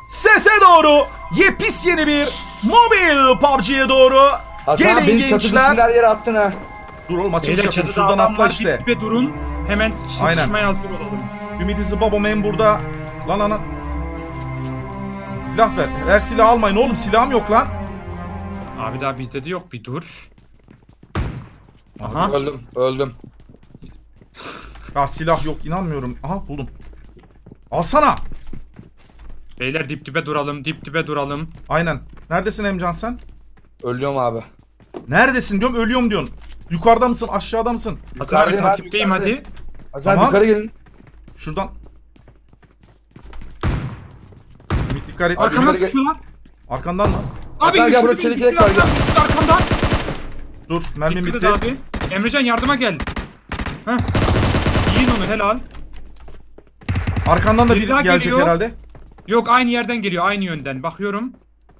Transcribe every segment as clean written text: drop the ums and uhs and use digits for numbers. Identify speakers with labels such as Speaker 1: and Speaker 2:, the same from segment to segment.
Speaker 1: Sese doğru yepis yeni bir mobil PUBG'ye doğru.
Speaker 2: Hasan abi
Speaker 1: Gelin
Speaker 2: beni çatı
Speaker 1: gençler.
Speaker 2: dışında her yere attın ha.
Speaker 1: Dur oğlum açılış
Speaker 3: Beyler
Speaker 1: yapayım.
Speaker 3: çatıda
Speaker 1: Şuradan
Speaker 3: adam
Speaker 1: atla
Speaker 3: var,
Speaker 1: işte.
Speaker 3: dip dibe durun. Hemen
Speaker 1: Aynen.
Speaker 3: çatışmaya hazır olalım.
Speaker 1: Ümidi Zıbabom'un burada. Lan. Silah ver. Her silahı almayın oğlum, silahım yok lan.
Speaker 3: Abi daha bizde de yok, bir dur. Aha.
Speaker 2: Öldüm.
Speaker 1: Ya silah yok, inanmıyorum. Aha buldum. Alsana.
Speaker 3: Beyler dip dibe duralım.
Speaker 1: Aynen. Neredesin Emcan sen?
Speaker 2: Ölüyorum abi.
Speaker 1: Neredesin diyorum, ölüyorum diyorsun. Yukarıda mısın, aşağıda mısın?
Speaker 3: Hasan abi
Speaker 2: Yukarıdayım abi,
Speaker 3: takipteyim
Speaker 2: yukarıdayım.
Speaker 3: hadi.
Speaker 2: Hasan
Speaker 1: Tamam.
Speaker 2: yukarı gelin.
Speaker 1: Şuradan. Ümit dikkat et.
Speaker 3: Arkamda
Speaker 2: yukarı gel.
Speaker 3: sıkıyorlar.
Speaker 1: Arkandan mı?
Speaker 3: Abi
Speaker 2: Hasan gel,
Speaker 3: şu
Speaker 2: burada
Speaker 3: bir
Speaker 2: çelik
Speaker 3: dip
Speaker 2: yelek
Speaker 3: dibe
Speaker 2: var, gel.
Speaker 3: arkamda.
Speaker 1: Dur, mermim
Speaker 3: Dikkat
Speaker 1: bitti.
Speaker 3: et abi. Emrecan yardıma gel. Heh. Yiyin onu, helal.
Speaker 1: Arkandan da
Speaker 3: Biri
Speaker 1: bir
Speaker 3: daha
Speaker 1: gelecek
Speaker 3: geliyor.
Speaker 1: herhalde.
Speaker 3: Yok, aynı yerden geliyor, aynı yönden. Bakıyorum.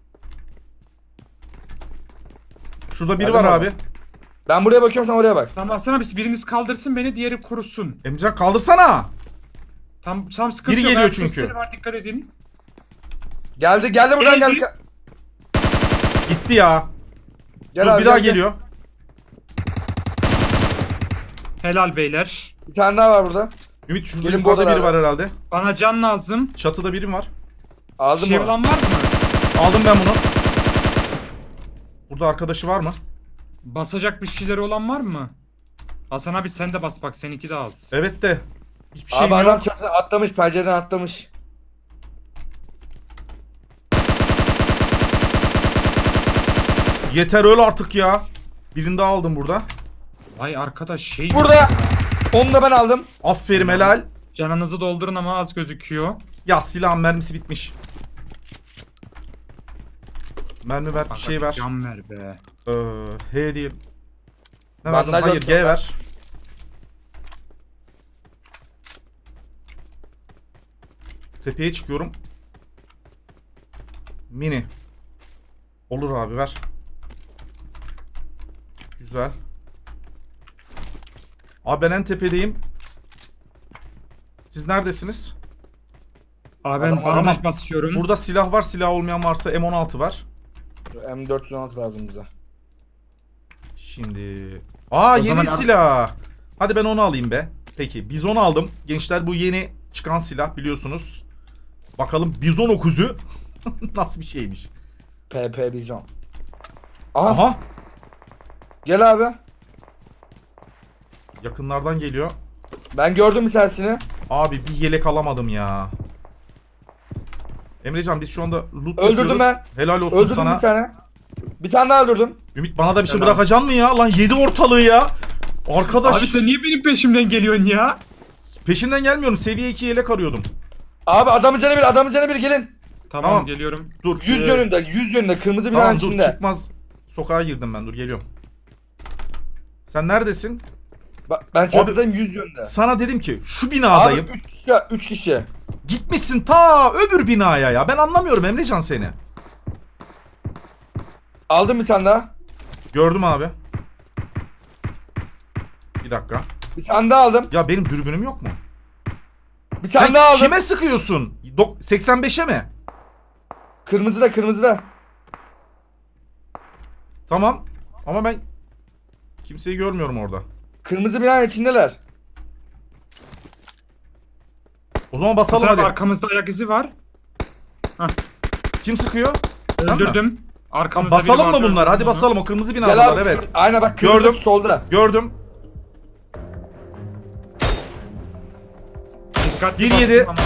Speaker 1: Şurada biri
Speaker 2: Geldim
Speaker 1: var
Speaker 2: abi.
Speaker 1: abi.
Speaker 2: Ben buraya bakıyorum, sen oraya bak.
Speaker 3: Tamam Hasan abi, biriniz kaldırsın beni, diğeri kurusun.
Speaker 1: Emcan kaldırsana.
Speaker 3: Tam sıkıntı
Speaker 1: Biri
Speaker 3: yok.
Speaker 1: geliyor
Speaker 3: Ayak
Speaker 1: çünkü.
Speaker 3: sesleri var, dikkat edin.
Speaker 2: Geldi buradan
Speaker 3: Geldi.
Speaker 2: geldi.
Speaker 1: Gitti ya.
Speaker 2: Gel
Speaker 1: Dur
Speaker 2: abi,
Speaker 1: bir daha
Speaker 2: gel, gel.
Speaker 1: geliyor.
Speaker 3: Helal beyler.
Speaker 2: Bir tane daha var burada.
Speaker 1: Ümit şurada
Speaker 2: Gelin
Speaker 1: yukarıda
Speaker 2: buradan
Speaker 1: biri
Speaker 2: abi.
Speaker 1: var herhalde.
Speaker 3: Bana can lazım.
Speaker 1: Çatıda biri var.
Speaker 2: Aldım
Speaker 3: Şey
Speaker 2: mı?
Speaker 3: olan var mı?
Speaker 1: Aldım ben bunu. Burada arkadaşı var mı?
Speaker 3: Basacak bir şeyleri olan var mı? Hasan abi sen de bas bak, seninki de az.
Speaker 1: Evet de. Hiçbir şeyim
Speaker 2: Abi adam
Speaker 1: yok.
Speaker 2: çatıdan atlamış, pencereden atlamış.
Speaker 1: Yeter öl artık ya. Birini daha aldım burada.
Speaker 3: Vay arkadaş şey...
Speaker 2: Burada. Onu da ben aldım.
Speaker 1: Aferin helal.
Speaker 3: Canınızı doldurun ama az gözüküyor.
Speaker 1: Ya silahın mermisi bitmiş. Mermi ver, bir
Speaker 3: Bak,
Speaker 1: şey ver.
Speaker 3: Can ver be.
Speaker 1: H diye. Ne verdin?
Speaker 2: Bandaj
Speaker 1: Hayır,
Speaker 2: olsun
Speaker 1: G
Speaker 2: ben.
Speaker 1: ver. Tepeye çıkıyorum. Mini. Olur abi, ver. Güzel. Abi ben en tepedeyim. Siz neredesiniz?
Speaker 3: Abi ben
Speaker 2: Adam-
Speaker 3: bandaj
Speaker 1: Tamam.
Speaker 3: basıyorum.
Speaker 1: Burada silah var. Silah olmayan varsa M16 var.
Speaker 2: M416 lazım bize.
Speaker 1: Şimdi. Aa,
Speaker 3: O
Speaker 1: yeni
Speaker 3: zaman-
Speaker 1: silah. Hadi ben onu alayım be. Peki bizon aldım. Gençler bu yeni çıkan silah biliyorsunuz. Bakalım bizon okuzu nasıl bir şeymiş.
Speaker 2: PP Bizon. Aha.
Speaker 1: Aha.
Speaker 2: Gel abi.
Speaker 1: Yakınlardan geliyor.
Speaker 2: Ben gördüm bir tanesini.
Speaker 1: Abi bir yelek alamadım ya. Emrecan biz şu anda loot
Speaker 2: Öldürdüm
Speaker 1: yapıyoruz.
Speaker 2: ben.
Speaker 1: Helal olsun
Speaker 2: Öldürdüm
Speaker 1: sana.
Speaker 2: bir tane. Bir tane daha öldürdüm.
Speaker 1: Ümit bana da bir şey
Speaker 3: Helal.
Speaker 1: bırakacaksın mı ya? Lan yedi ortalığı ya. Arkadaş
Speaker 3: Abi sen niye benim peşimden geliyorsun ya?
Speaker 1: peşinden gelmiyorum. Seviye 2 yelek arıyordum.
Speaker 2: Abi adamın canı bir gelin.
Speaker 3: Tamam,
Speaker 1: Tamam.
Speaker 3: geliyorum.
Speaker 1: Dur.
Speaker 2: 100 yönünde kırmızı binanın
Speaker 1: Tamam dur,
Speaker 2: içinde.
Speaker 1: çıkmaz. Sokağa girdim ben, dur geliyorum. Sen neredesin?
Speaker 2: Ben çatıdayım 100 yönünde.
Speaker 1: Sana dedim ki şu
Speaker 2: Abi
Speaker 1: binadayım.
Speaker 2: 3 kişi.
Speaker 1: Gitmişsin ta öbür binaya ya. Ben anlamıyorum Emrecan seni.
Speaker 2: Aldım bir tane daha.
Speaker 1: Gördüm abi. Bir dakika.
Speaker 2: Bir tane daha aldım.
Speaker 1: Ya benim dürbünüm yok mu?
Speaker 2: Bir tane
Speaker 1: Sen
Speaker 2: daha aldım.
Speaker 1: kime sıkıyorsun? 85'e mi?
Speaker 2: Kırmızıda.
Speaker 1: Tamam. Ama ben kimseyi görmüyorum orada.
Speaker 2: Kırmızı binanın içindeler.
Speaker 1: O zaman basalım
Speaker 3: Hasan abi
Speaker 1: hadi.
Speaker 3: arkamızda ayak izi var.
Speaker 1: Kim sıkıyor? Sen mi?
Speaker 3: Öldürdüm.
Speaker 1: Tamam,
Speaker 3: Arkamızda biri
Speaker 1: basalım mı
Speaker 3: vardı,
Speaker 1: bunlar? Hadi
Speaker 3: öldürdüm
Speaker 1: basalım, o kırmızı
Speaker 2: Gel
Speaker 1: binalar
Speaker 2: abi.
Speaker 1: evet.
Speaker 2: Aynen bak kırmızı
Speaker 1: Gördüm.
Speaker 2: solda.
Speaker 1: Gördüm.
Speaker 3: onu. Dikkatli
Speaker 1: 1-7.
Speaker 3: basın ama.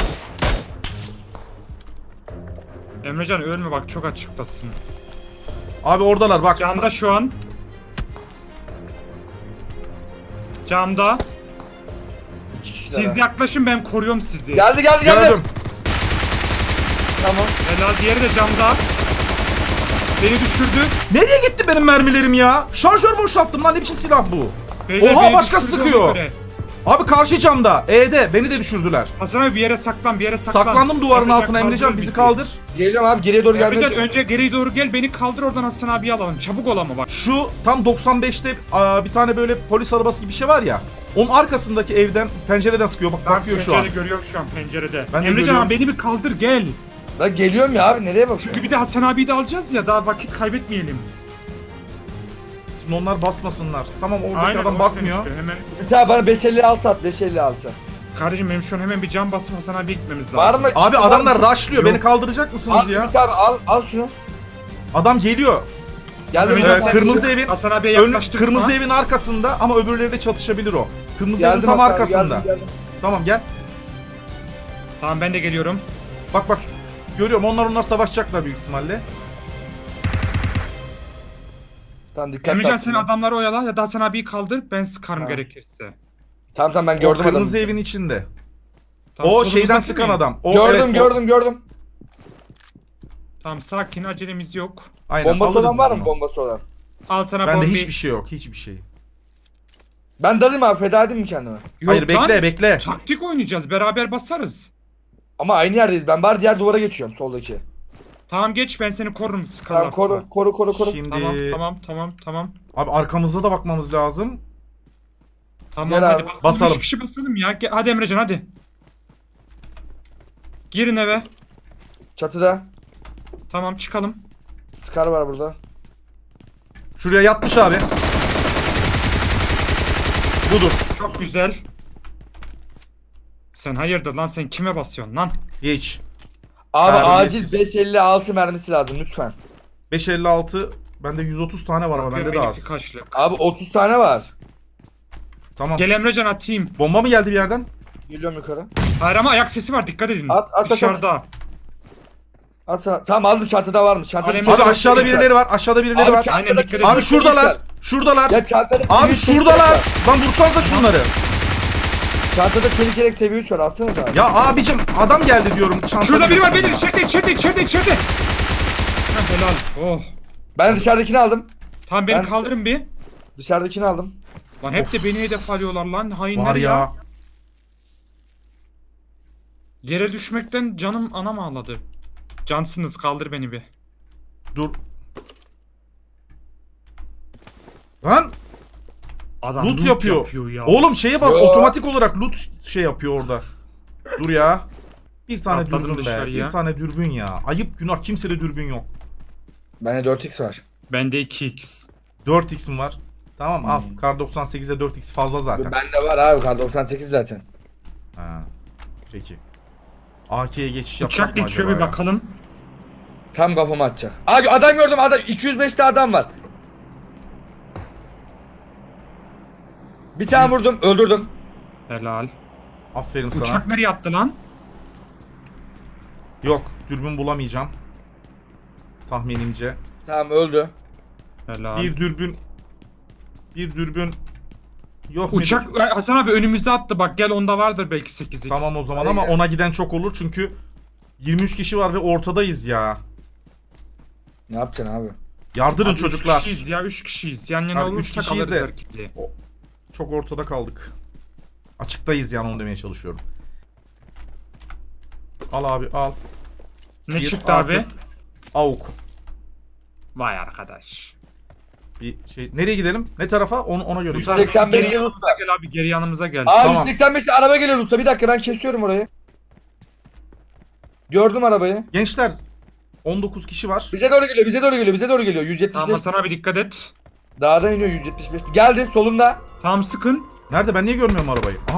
Speaker 3: Emrecan ölme bak, çok açıktasın.
Speaker 1: Abi oradalar bak.
Speaker 3: Camda şu an. Camda.
Speaker 2: 2 kişiler.
Speaker 3: Siz yaklaşın, ben koruyorum sizi.
Speaker 2: Geldi.
Speaker 1: Gördüm.
Speaker 2: Tamam.
Speaker 3: Helal, diğeri de camda. Beni düşürdü.
Speaker 1: Nereye gitti benim mermilerim ya? Şarjör boşalttım lan, ne biçim silah bu?
Speaker 3: Beyler,
Speaker 1: Oha,
Speaker 3: beni
Speaker 1: başka
Speaker 3: düşürdü
Speaker 1: sıkıyor.
Speaker 3: ona göre.
Speaker 1: Abi karşı camda. E'de beni de düşürdüler.
Speaker 3: Hasan abi bir yere saklan, bir yere saklan.
Speaker 1: Saklandım duvarın
Speaker 3: Emrecan
Speaker 1: altına Emrecan,
Speaker 3: kaldırır
Speaker 1: bizi kaldır.
Speaker 2: Geliyorum abi, geriye doğru gelmeye
Speaker 3: Emrecan
Speaker 2: çalışıyorum.
Speaker 3: önce geriye doğru gel, beni kaldır, oradan Hasan abiyi alalım. Çabuk ol ama bak.
Speaker 1: Şu tam 95'te bir tane böyle polis arabası gibi bir şey var ya. Onun arkasındaki evden, pencereden sıkıyor. Bak bakıyor şu an.
Speaker 3: Görüyorum şu an pencerede.
Speaker 1: Ben de
Speaker 3: Emrecan
Speaker 1: görüyorum.
Speaker 3: abi beni bir kaldır, gel.
Speaker 2: Lan geliyorum ya abi, nereye bakıyorsun?
Speaker 3: Çünkü bir de Hasan abiyi de alacağız ya, daha vakit kaybetmeyelim.
Speaker 1: Şimdi onlar basmasınlar. Tamam oradaki
Speaker 3: Aynen,
Speaker 1: adam
Speaker 3: o
Speaker 1: bakmıyor.
Speaker 3: işte, Hemen
Speaker 2: Mesela bana 556 at, 556.
Speaker 3: kardeşim benim şu an hemen bir can basıp Hasan abiye gitmemiz lazım.
Speaker 2: Var mı?
Speaker 1: Abi
Speaker 2: Var
Speaker 1: adamlar
Speaker 2: mı?
Speaker 1: rushlıyor.
Speaker 3: Yok.
Speaker 1: Beni kaldıracak mısınız
Speaker 2: Al
Speaker 1: ya?
Speaker 2: Ümit abi, al şunu.
Speaker 1: Adam geliyor.
Speaker 2: Geldim.
Speaker 3: Hemen
Speaker 2: Ümit abi.
Speaker 1: kırmızı evin
Speaker 3: Hasan abiye
Speaker 1: ön,
Speaker 3: yaklaştırma.
Speaker 1: kırmızı evin arkasında ama öbürleri de çatışabilir o. Kırmızı evin
Speaker 2: Geldim
Speaker 1: tam
Speaker 2: Hasan abi,
Speaker 1: arkasında.
Speaker 2: geldim.
Speaker 1: Tamam gel.
Speaker 3: Tamam ben de geliyorum.
Speaker 1: Bak. Görüyorum onlar savaşacaklar büyük ihtimalle.
Speaker 2: Tamam dikkat
Speaker 3: Emrecan
Speaker 2: et.
Speaker 3: sen adamları oyala ya da Hasan abiyi kaldır, ben sıkarım
Speaker 2: Tamam.
Speaker 3: gerekirse.
Speaker 2: Tamam ben
Speaker 1: O
Speaker 2: gördüm
Speaker 1: kırmızı
Speaker 2: adamı.
Speaker 1: evin içinde.
Speaker 3: Tamam,
Speaker 1: O
Speaker 3: solumuzdaki
Speaker 1: şeyden sıkan
Speaker 3: mi?
Speaker 1: adam. O,
Speaker 2: Gördüm
Speaker 1: evet, o-
Speaker 2: gördüm.
Speaker 3: Tamam sakin, acelemiz yok.
Speaker 1: Aynen,
Speaker 2: Bombası
Speaker 1: alırız
Speaker 2: olan var
Speaker 1: biz
Speaker 2: mı,
Speaker 1: onu.
Speaker 2: bombası olan?
Speaker 3: Al sana
Speaker 1: Bende
Speaker 3: bombi.
Speaker 1: hiçbir şey yok. Hiçbir şey.
Speaker 2: Ben dalayım abi, feda edeyim mi kendime?
Speaker 3: Yok
Speaker 1: Hayır
Speaker 3: lan,
Speaker 1: bekle.
Speaker 3: taktik oynayacağız, beraber basarız.
Speaker 2: Ama aynı yerdeyiz. Ben bari diğer duvara geçiyorum, soldaki.
Speaker 3: Tamam geç, ben seni korurum
Speaker 2: Tamam
Speaker 3: sıkarlarsa.
Speaker 2: koru.
Speaker 1: Şimdi
Speaker 3: Tamam.
Speaker 1: abi arkamıza da bakmamız lazım.
Speaker 3: Tamam
Speaker 2: Gel
Speaker 3: hadi
Speaker 2: abi.
Speaker 3: basalım.
Speaker 1: Basalım.
Speaker 3: 3 kişi basalım ya. Hadi Emrecan hadi. Girin eve.
Speaker 2: Çatıda.
Speaker 3: Tamam çıkalım.
Speaker 2: Scar var burada.
Speaker 1: Şuraya yatmış abi. Budur.
Speaker 3: Çok güzel. Sen hayırdır lan, sen kime basıyorsun lan?
Speaker 1: Geç.
Speaker 2: Abi
Speaker 1: Terbiyesiz.
Speaker 2: acil 556 mermisi lazım lütfen.
Speaker 1: 556. Bende 130 tane var ama bende de
Speaker 3: Benimki
Speaker 1: az.
Speaker 3: kaçlık.
Speaker 2: Abi 30 tane var.
Speaker 1: Tamam.
Speaker 3: Gel Emrecan atayım.
Speaker 1: Bomba mı geldi bir yerden?
Speaker 2: Geliyorum yukarı.
Speaker 3: Hayır ama ayak sesi var, dikkat edin.
Speaker 2: At.
Speaker 3: Dışarıda.
Speaker 2: Tamam aldım, çatıda varmış. Çatıda
Speaker 3: Alem-
Speaker 1: Abi aşağıda birileri var. Aşağıda birileri
Speaker 2: Abi
Speaker 1: var.
Speaker 2: çatıda
Speaker 3: Aynen, dikkat
Speaker 2: çelik
Speaker 3: edin.
Speaker 1: Abi şuradalar.
Speaker 2: var.
Speaker 1: Şuradalar.
Speaker 2: Ya çantada
Speaker 1: Abi
Speaker 2: çelik
Speaker 1: şuradalar.
Speaker 2: var.
Speaker 1: Lan vursanıza şunları.
Speaker 2: Çantada çelik yelek seviye 3 var, alsanız abi.
Speaker 1: Ya abicim adam geldi diyorum. Çantada
Speaker 3: Şurada biri var,
Speaker 1: diyorsun
Speaker 3: beyler.
Speaker 1: ya.
Speaker 3: İçeride. Ha, helal. Oh.
Speaker 2: Ben dışarıdakini aldım.
Speaker 3: Tamam beni
Speaker 2: Ben-
Speaker 3: kaldırın bir.
Speaker 2: Dışarıdakini aldım.
Speaker 3: Lan hep de beni hedef alıyorlar lan. Hainler
Speaker 1: Var ya.
Speaker 3: Yere düşmekten canım anam ağladı. Cansınız, kaldır beni bir.
Speaker 1: Dur. Lan
Speaker 3: Adam
Speaker 1: loot yapıyor.
Speaker 3: ya.
Speaker 1: Oğlum şeye bas,
Speaker 2: Yo.
Speaker 1: otomatik olarak loot şey yapıyor orada. Dur ya. Bir tane
Speaker 3: Atladım
Speaker 1: dürbün be.
Speaker 3: dışarıya.
Speaker 1: Bir tane dürbün ya. Ayıp günah, kimsede dürbün yok.
Speaker 2: Bende 4x var.
Speaker 3: Bende 2x.
Speaker 1: 4x'im var. Tamam al. Kar 98'e 4x fazla zaten.
Speaker 2: Bende var abi, kar 98 zaten.
Speaker 1: Ha. Peki. AK'ye geçiş yapsak
Speaker 3: Uçak
Speaker 1: mı
Speaker 3: geçiyor,
Speaker 1: acaba
Speaker 3: bir
Speaker 1: ya?
Speaker 3: bakalım.
Speaker 2: Tam kafama atacak. Abi adam gördüm, adam 205'te adam var. Bir tane vurdum, öldürdüm.
Speaker 3: Helal.
Speaker 1: Aferin sana.
Speaker 3: Uçak nereye attı lan?
Speaker 1: Yok, dürbün bulamayacağım. Tahminimce.
Speaker 2: Tamam öldü.
Speaker 3: Helal.
Speaker 1: Bir dürbün yok
Speaker 3: Uçak
Speaker 1: mudur?
Speaker 3: Hasan abi önümüzde attı, bak gel, onda vardır belki 8x.
Speaker 1: Tamam o zaman
Speaker 2: Aynen.
Speaker 1: ama ona giden çok olur çünkü 23 kişi var ve ortadayız ya.
Speaker 2: Ne yapacaksın abi?
Speaker 1: Yardırın
Speaker 3: Abi,
Speaker 1: çocuklar.
Speaker 3: 3 kişiyiz ya, 3 kişiyiz. Yan yana
Speaker 1: Abi, üç
Speaker 3: olursak
Speaker 1: kişiyiz
Speaker 3: alırız
Speaker 1: de.
Speaker 3: herkesi.
Speaker 1: Çok ortada kaldık. Açıktayız yani, onu demeye çalışıyorum. Al abi al.
Speaker 3: Ne
Speaker 1: Bir
Speaker 3: çıktı
Speaker 1: artı
Speaker 3: abi?
Speaker 1: AUK.
Speaker 3: Vay arkadaş.
Speaker 1: Bir şey. Nereye gidelim? Ne tarafa? Ona göre.
Speaker 2: 185
Speaker 3: Geri
Speaker 2: yıl
Speaker 3: yanımıza gel abi, geri yanımıza gel.
Speaker 2: Abi
Speaker 1: Tamam.
Speaker 2: 185'te araba geliyor usta. Bir dakika ben kesiyorum orayı. Gördüm arabayı.
Speaker 1: Gençler 19 kişi var.
Speaker 2: Bize doğru geliyor. 175.
Speaker 3: Tamam Hasan abi dikkat et.
Speaker 2: Dağdan iniyor 175. Geldi solunda.
Speaker 3: Tamam sıkın.
Speaker 1: Nerede? Ben niye görmüyorum arabayı? Aha.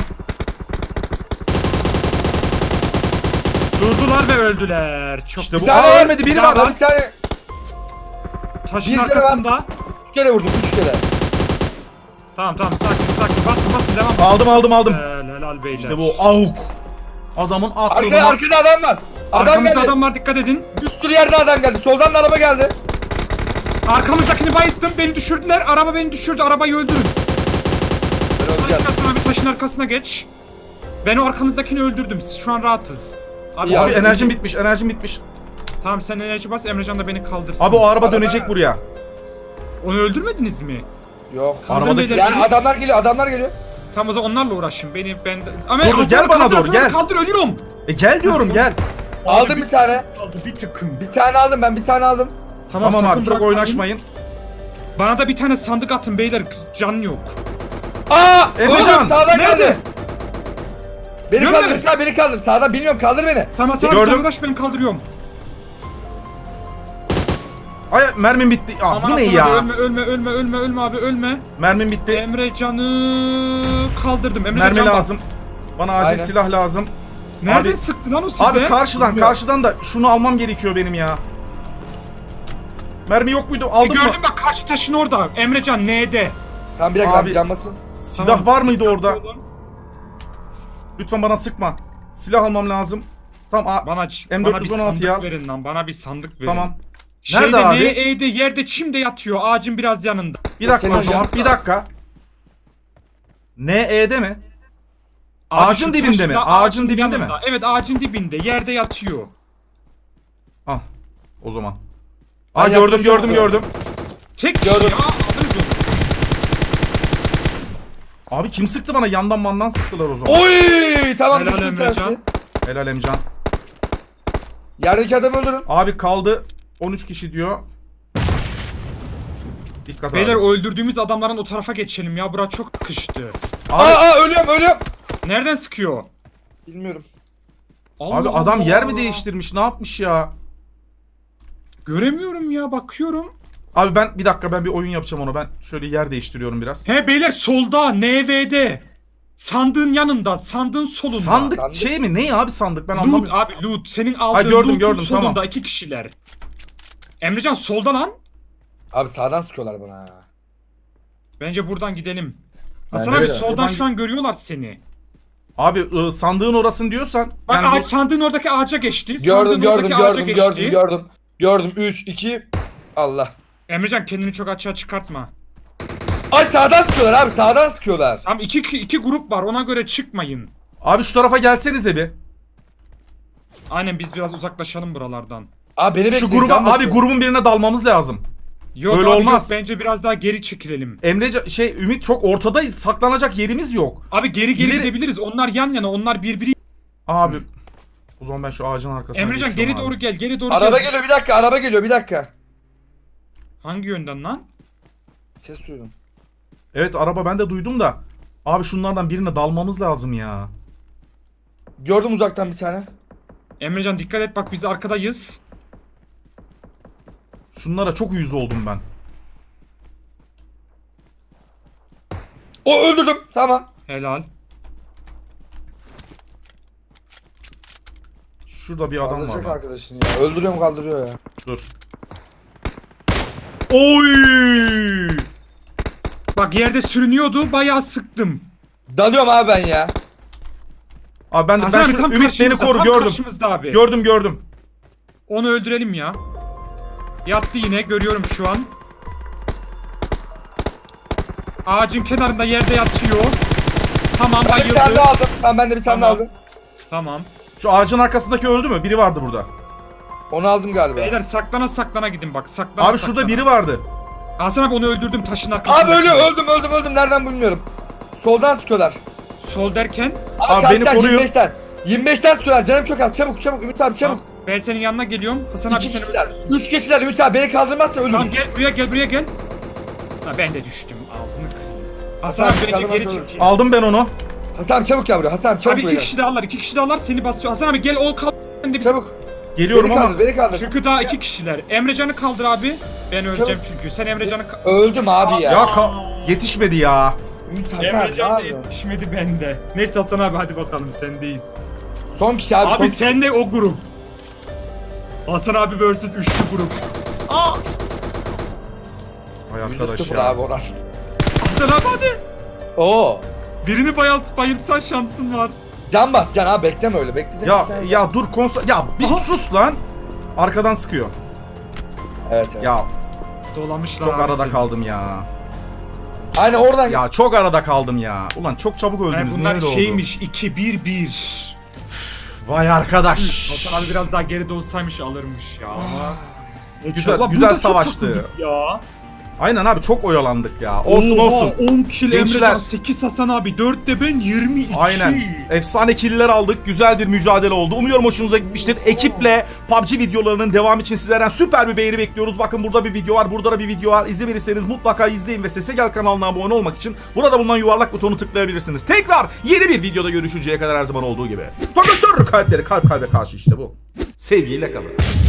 Speaker 3: Durdular ve öldüler. Çok
Speaker 1: İşte bu.
Speaker 2: Bir tane
Speaker 1: Aa,
Speaker 2: var.
Speaker 1: ölmedi, biri
Speaker 3: Bir
Speaker 1: var.
Speaker 3: daha
Speaker 2: Bir tane
Speaker 3: taşın
Speaker 2: bir kere
Speaker 3: arkasında.
Speaker 2: 3 kere vurdum, 3 kere.
Speaker 3: Tamam sakin basın devam.
Speaker 1: Aldım.
Speaker 3: Helal beyler.
Speaker 1: İşte bu AUK. Adamın aklına.
Speaker 2: Arkada adam var. Adam
Speaker 3: Arkamızda
Speaker 2: geldi.
Speaker 3: adam var, dikkat edin.
Speaker 2: Bir sürü yerde adam geldi. Soldan da araba geldi.
Speaker 3: Arkamızdakini bayılttım, beni düşürdüler. Araba beni düşürdü, arabayı öldürün.
Speaker 2: Ben öleceğim.
Speaker 3: Hasan abi taşın arkasına geç. Ben o arkamızdakini öldürdüm. Siz şu an rahatız. Abi,
Speaker 2: İyi
Speaker 1: Abi
Speaker 2: abi.
Speaker 1: enerjim bitmiş.
Speaker 3: Tamam sen enerji bas, Emrecan da beni kaldırsın.
Speaker 1: Abi o araba
Speaker 2: Araba-
Speaker 1: dönecek buraya.
Speaker 3: Onu öldürmediniz mi?
Speaker 2: Yok.
Speaker 3: Kaldırın
Speaker 1: Arabadaki-
Speaker 3: beyler.
Speaker 2: Yani adamlar geliyor.
Speaker 3: Tamam o zaman onlarla uğraşın. Ama
Speaker 1: Dur,
Speaker 3: Hasan
Speaker 1: gel
Speaker 3: abi
Speaker 1: bana
Speaker 3: kaldır,
Speaker 1: doğru,
Speaker 3: Hasan abi
Speaker 1: gel.
Speaker 3: Kaldır, ölüyorum.
Speaker 1: Gel diyorum gel.
Speaker 2: Aldım bir tane.
Speaker 3: Kaldı bir tıkım.
Speaker 2: Bir tane aldım ben, bir tane aldım.
Speaker 1: Tamam
Speaker 3: sakın
Speaker 1: abi çok
Speaker 3: bırakmayın.
Speaker 1: oynaşmayın.
Speaker 3: Bana da bir tane sandık atın beyler. Can yok.
Speaker 2: Aa!
Speaker 1: Emrecan!
Speaker 2: Oğlum, sağdan
Speaker 3: Nerede?
Speaker 2: geldi. Beni
Speaker 3: Görmedim.
Speaker 2: kaldır lütfen, beni kaldır. Sağdan bilmiyorum, kaldır beni.
Speaker 3: Tamam sen
Speaker 1: Gördüm.
Speaker 3: uğraş, ben kaldırıyorum.
Speaker 1: Ay mermim bitti. Aa,
Speaker 3: Aman
Speaker 1: bu ne
Speaker 3: Hasan
Speaker 1: ya?
Speaker 3: abi, ölme abi ölme.
Speaker 1: Mermim bitti.
Speaker 3: Emrecan'ı kaldırdım. Emrecan
Speaker 1: Mermi
Speaker 3: can bas.
Speaker 1: lazım. Bana acil
Speaker 2: Aynen.
Speaker 1: silah lazım.
Speaker 3: Nereden
Speaker 1: Abi-
Speaker 3: sıktı lan o size?
Speaker 1: Abi karşıdan
Speaker 2: Bilmiyorum.
Speaker 1: karşıdan da şunu almam gerekiyor benim ya. Mermi yok muydu? Aldın mı?
Speaker 3: Gördün bak karşı taşın orada. Emrecan N'de.
Speaker 2: Tamam bir dakika
Speaker 1: Abi-
Speaker 2: abi can basın.
Speaker 1: Silah
Speaker 3: Tamam.
Speaker 1: var mıydı orada? Lütfen bana sıkma. Silah almam lazım. Tamam.
Speaker 3: Bana
Speaker 1: M416
Speaker 3: bana bir sandık
Speaker 1: ya.
Speaker 3: verin lan. Bana bir sandık verin.
Speaker 1: Tamam.
Speaker 3: Şeyde,
Speaker 1: Nerede abi?
Speaker 3: N'de yerde çimde yatıyor. Ağacın biraz yanında.
Speaker 1: Bir dakika
Speaker 2: Senin
Speaker 1: o zaman.
Speaker 2: yanında.
Speaker 1: Bir dakika. NE'de mi?
Speaker 3: Abi
Speaker 1: Ağacın
Speaker 3: şu
Speaker 1: dibinde mi?
Speaker 3: taşla,
Speaker 1: Ağacın dibinde mi?
Speaker 3: yanında. Evet ağacın dibinde. Yerde yatıyor.
Speaker 1: Al. O zaman.
Speaker 2: Ben
Speaker 1: Aa gördüm
Speaker 2: yaklaşıyorum.
Speaker 1: gördüm.
Speaker 3: Tek
Speaker 2: Gördüm.
Speaker 3: kişi ya. Alırız onu.
Speaker 1: Abi kim sıktı bana? Yandan mandan sıktılar o zaman.
Speaker 2: Oy tamam
Speaker 3: Helal
Speaker 2: düştüm
Speaker 3: Emrecan.
Speaker 2: tersi.
Speaker 1: Helal Emcan.
Speaker 2: Yerdeki adamı öldürün.
Speaker 1: Abi kaldı 13 kişi diyor. Dikkat
Speaker 3: Beyler
Speaker 1: abi.
Speaker 3: öldürdüğümüz adamların o tarafa geçelim ya. Bura çok kıştı.
Speaker 1: Abi,
Speaker 2: Ölüyorum.
Speaker 3: Nereden sıkıyor?
Speaker 2: Bilmiyorum.
Speaker 3: Allah
Speaker 1: abi adam
Speaker 3: Allah.
Speaker 1: yer mi değiştirmiş? Ne yapmış ya?
Speaker 3: Göremiyorum ya bakıyorum.
Speaker 1: Abi ben bir dakika ben bir oyun yapacağım ona. Ben şöyle yer değiştiriyorum biraz.
Speaker 3: He beyler solda NV'de. Sandığın yanında, sandığın solunda.
Speaker 1: Sandık
Speaker 2: Sandık.
Speaker 1: şey mi? Ne abi sandık? Ben
Speaker 3: Loot
Speaker 1: anlamıyorum.
Speaker 3: abi loot. Senin aldığın
Speaker 1: gördüm,
Speaker 3: loot'un
Speaker 1: gördüm,
Speaker 3: solunda
Speaker 1: tamam.
Speaker 3: 2 kişiler. Emrecan solda lan.
Speaker 2: Abi sağdan sıkıyorlar bana.
Speaker 3: Bence buradan gidelim.
Speaker 2: Ben
Speaker 3: Hasan
Speaker 2: de
Speaker 3: abi
Speaker 2: öyle.
Speaker 3: soldan
Speaker 1: Buradan-
Speaker 3: şu an görüyorlar seni.
Speaker 1: Abi sandığın orasını diyorsan.
Speaker 3: Bak
Speaker 1: yani bu-
Speaker 3: ağaç, sandığın oradaki ağaca geçti.
Speaker 2: Gördüm
Speaker 3: Sandığın oradaki ağaca geçti.
Speaker 2: Gördüm 3 2 Allah.
Speaker 3: Emrecan kendini çok açığa çıkartma.
Speaker 2: Ay sağdan sıkıyorlar abi sağdan sıkıyorlar.
Speaker 3: Tamam iki grup var ona göre çıkmayın.
Speaker 1: Abi şu tarafa gelsenize bir.
Speaker 3: Aynen biz biraz uzaklaşalım buralardan.
Speaker 2: Abi beni
Speaker 1: Şu
Speaker 2: bekleyin.
Speaker 1: gruba
Speaker 2: can
Speaker 1: abi
Speaker 2: basıyorum.
Speaker 1: grubun birine dalmamız lazım.
Speaker 3: Yok
Speaker 1: Böyle
Speaker 3: abi
Speaker 1: olmaz.
Speaker 3: yok bence biraz daha geri çekilelim.
Speaker 1: Ümit çok ortadayız. Saklanacak yerimiz yok.
Speaker 3: Abi geri
Speaker 1: İleri-
Speaker 3: gidebiliriz. Onlar yan yana onlar birbiri.
Speaker 1: Abi o zaman ben şu ağacın arkasına
Speaker 3: Emrecan
Speaker 1: geçiyorum
Speaker 3: geri
Speaker 1: abi.
Speaker 3: doğru gel geri doğru
Speaker 2: Araba
Speaker 3: gel.
Speaker 2: geliyor bir dakika araba geliyor bir dakika.
Speaker 3: Hangi yönden lan?
Speaker 2: Ses duydum.
Speaker 1: Evet araba ben de duydum da. Abi şunlardan birine dalmamız lazım ya.
Speaker 2: Gördüm uzaktan bir tane.
Speaker 3: Emrecan dikkat et bak biz arkadayız.
Speaker 1: Şunlara çok uyuz oldum ben.
Speaker 2: O öldürdüm tamam.
Speaker 3: Helal.
Speaker 1: Şurada bir adam var.
Speaker 2: Kaldıracak
Speaker 1: Lan.
Speaker 2: arkadaşını ya. Öldürüyorum kaldırıyor ya.
Speaker 1: Dur. Oy!
Speaker 3: Bak yerde sürünüyordu bayağı sıktım.
Speaker 2: Dalıyorum abi ben ya.
Speaker 1: Abi ben
Speaker 3: Hasan abi
Speaker 1: şu
Speaker 3: tam
Speaker 1: Ümit beni
Speaker 3: karşımızda,
Speaker 1: koru
Speaker 3: tam
Speaker 1: gördüm.
Speaker 3: karşımızda abi.
Speaker 1: Gördüm.
Speaker 3: Onu öldürelim ya. Yattı yine görüyorum şu an. Ağacın kenarında yerde yatıyor. Tamam
Speaker 2: Ben bir tane
Speaker 3: bayıldı.
Speaker 2: daha aldım. Ben de bir tane daha
Speaker 3: Tamam.
Speaker 2: aldım.
Speaker 3: Tamam.
Speaker 1: Şu ağacın arkasındaki öldü mü? Biri vardı burada.
Speaker 2: Onu aldım galiba.
Speaker 3: Beyler saklana gidin bak saklana
Speaker 1: Abi şurada biri vardı.
Speaker 3: Hasan abi onu öldürdüm taşın arkasında.
Speaker 2: Abi ölüyor öldüm. Nereden bilmiyorum. Soldan sıkıyorlar.
Speaker 3: Sol derken.
Speaker 1: Abi
Speaker 2: kaç
Speaker 1: beni
Speaker 2: tane?
Speaker 1: koruyor.
Speaker 2: 25'ten. 25'ten sıkıyorlar. Canım çok az. Çabuk Ümit abi çabuk.
Speaker 3: Tamam, ben senin yanına geliyorum. Hasan abi
Speaker 2: 2
Speaker 3: seni...
Speaker 2: kişiler. 3 kişiler Ümit abi beni kaldırmazsa
Speaker 3: Tamam
Speaker 2: ölürüz.
Speaker 3: gel buraya gel. Ha ben de düştüm ağzını kırayım. Hasan
Speaker 2: Hasan
Speaker 3: abi beni
Speaker 2: kaldırmaz
Speaker 3: geri
Speaker 2: olur.
Speaker 3: çek.
Speaker 1: Aldım ben onu.
Speaker 2: Hasan abi çabuk gel buraya. Hasan abi çabuk
Speaker 3: Abi
Speaker 2: buraya.
Speaker 3: iki kişi daha alır seni basıyor. Hasan abi gel ol kal. Ben de bir-
Speaker 2: Çabuk.
Speaker 1: Geliyorum
Speaker 2: Beni
Speaker 1: ama.
Speaker 2: kaldır beni kaldır.
Speaker 3: Çünkü daha 2 kişiler. Emrecan'ı kaldır abi. Ben öleceğim çünkü. Sen Emrecan'ı
Speaker 2: Öldüm abi ya.
Speaker 1: Ya yetişmedi ya.
Speaker 2: Ümit Hasan abi ne
Speaker 3: Emrecan da
Speaker 2: yapıyorsun?
Speaker 3: yetişmedi bende. Neyse Hasan abi hadi bakalım sendeyiz.
Speaker 2: Son kişi abi.
Speaker 3: Abi
Speaker 2: son kişi.
Speaker 3: senle o grup. Hasan abi vs üçlü grup.
Speaker 1: Vay
Speaker 2: %0
Speaker 1: arkadaş
Speaker 2: abi
Speaker 1: ya.
Speaker 2: onlar.
Speaker 3: Hasan abi hadi.
Speaker 2: Oo.
Speaker 3: Birini bayıltsan şansın var.
Speaker 2: Can bas can abi bekleme öyle bekleyecek.
Speaker 1: Ya dur konsol. Ya bir
Speaker 3: Aha.
Speaker 1: sus lan. Arkadan sıkıyor.
Speaker 2: Evet.
Speaker 1: Ya
Speaker 3: Dolamışlar
Speaker 1: çok
Speaker 3: abi
Speaker 1: arada
Speaker 3: seni.
Speaker 1: kaldım ya.
Speaker 2: Aynen oradan.
Speaker 1: Ya çok arada kaldım ya. Ulan çok çabuk
Speaker 3: Yani
Speaker 1: öldünüz.
Speaker 3: bunlar
Speaker 1: Niye öyle oldu?
Speaker 3: şeymiş 2-1-1.
Speaker 1: Vay arkadaş.
Speaker 3: Hasan abi biraz daha geride olsaymış alırmış ya ama.
Speaker 1: Güzel-
Speaker 3: Ulan
Speaker 1: güzel
Speaker 3: burada çok
Speaker 1: savaştı.
Speaker 3: takıldık Ya.
Speaker 1: Aynen abi çok oyalandık ya. Olsun
Speaker 3: Oha,
Speaker 1: olsun.
Speaker 3: 10 kill
Speaker 1: Gençler.
Speaker 3: Emrecan 8 Hasan abi 4 de ben 22.
Speaker 1: Aynen. Efsane killer aldık. Güzel bir mücadele oldu. Umuyorum hoşunuza gitmiştir. Ekiple PUBG videolarının devamı için sizlerden süper bir beğeni bekliyoruz. Bakın burada bir video var. Burada da bir video var. İzlemediyseniz mutlaka izleyin ve Sese Gel kanalına abone olmak için burada bulunan yuvarlak butonu tıklayabilirsiniz. Tekrar yeni bir videoda görüşünceye kadar her zaman olduğu gibi. Arkadaşlar kalpleri kalp kalbe karşı işte bu. Sevgiyle kalın.